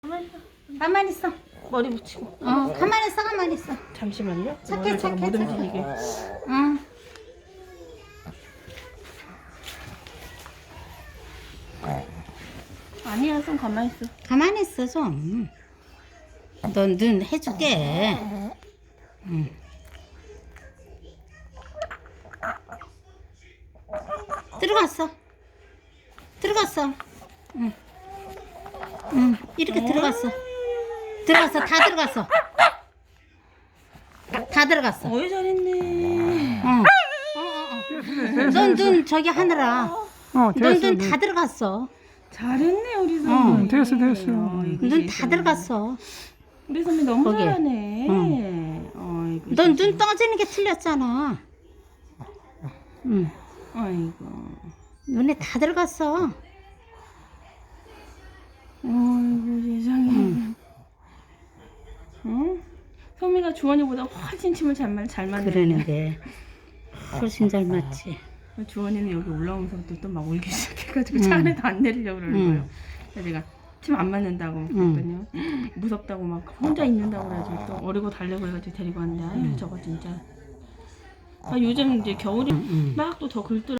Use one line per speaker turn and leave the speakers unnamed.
가만히 있어.
머리 붙이고.
가만히 있어, 가만히 있어.
잠시만요.
착해, 착해,
못
착해.
움직이게.
응.
아니야, 좀 가만히 있어.
가만히 있어, 좀. 넌 눈 해줄게. 응. 들어갔어. 들어갔어. 응. 응. 이렇게 들어갔어. 들어갔어. 다 들어갔어. 다 들어갔어.
어이, 잘했네.
넌 눈 저기 하느라. 넌
됐어.
눈 다 들어갔어.
잘했네, 우리 선배.
됐어.
눈 다 들어갔어.
우리 선배 너무
거기.
잘하네. 아이고.
넌 눈 떠지는 게 틀렸잖아. 응.
아이고.
눈에 다 들어갔어.
아이고, 세상에. 응? 소미가 주원이보다 훨씬 침을 잘 맞네.
그러는데 훨씬 잘 맞지.
주원이는 여기 올라오면서부터 또 막 울기 시작해가지고 차 안에도 안 내리려고 그러는 거예요. 그래서 내가 침 안 맞는다고 그랬더니 무섭다고 막 혼자 있는다고 그래가지고 또 어리고 달래고 해가지고 데리고 왔는데 아유 저거 진짜. 아, 요즘 이제 겨울이 막 또 더 긁더라고요.